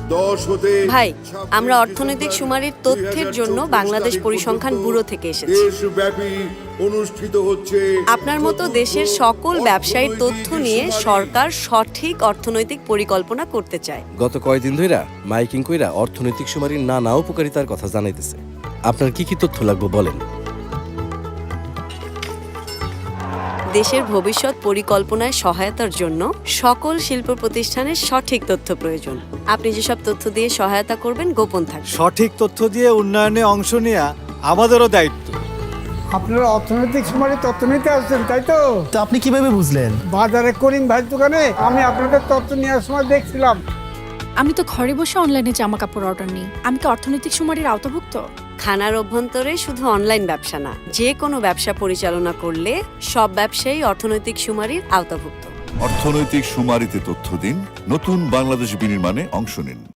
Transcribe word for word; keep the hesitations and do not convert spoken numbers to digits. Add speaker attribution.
Speaker 1: দশ হতে
Speaker 2: ভাই, আমরা অর্থনৈতিক সুমারির তথ্যের জন্য বাংলাদেশ পরিসংখ্যান ব্যুরো থেকে এসেছি।
Speaker 1: দেশব্যাপী অনুষ্ঠিত হচ্ছে
Speaker 2: আপনার মতো দেশের সকল ব্যবসায়ীর তথ্য নিয়ে সরকার সঠিক অর্থনৈতিক পরিকল্পনা করতে চায়।
Speaker 3: গত কয়েকদিন ধইরা মাইকিং কইরা অর্থনৈতিক সুমারির নানা উপকারিতার কথা জানাইতেছে। আপনার কি কি তথ্য লাগবে বলেন।
Speaker 2: দেশের ভবিষ্যৎ পরিকল্পনায় সহায়তার জন্য সকল শিল্প প্রতিষ্ঠানের সঠিক তথ্য প্রয়োজন। আপনি যেসব তথ্য দিয়ে সহায়তা করবেন গোপন থাকবে।
Speaker 4: সঠিক তথ্য দিয়ে উন্নয়নে অংশ নেওয়া আমাদেরও দায়িত্ব।
Speaker 5: আপনারা অর্থনৈতিক সুমারি তথ্য নিতে আসছেন, তাই তো?
Speaker 6: তো আপনি কিভাবে বুঝলেন?
Speaker 5: বাজারে করিম ভাইয়ের দোকানে আমি আপনাদের তথ্য নেওয়ার সময় দেখছিলাম।
Speaker 7: আমি তো ঘরে বসে অনলাইনে জামা কাপড় অর্ডার নিই। আমি কি অর্থনৈতিক সুমারির আওতাভুক্ত?
Speaker 2: খানার অভ্যন্তরে শুধু অনলাইন ব্যবসা না, যে কোনো ব্যবসা পরিচালনা করলে সব ব্যবসায়ী অর্থনৈতিক সুমারির আওতাভুক্ত।
Speaker 8: অর্থনৈতিক সুমারিতে তথ্য দিন, নতুন বাংলাদেশ বিনির্মাণে অংশ নিন।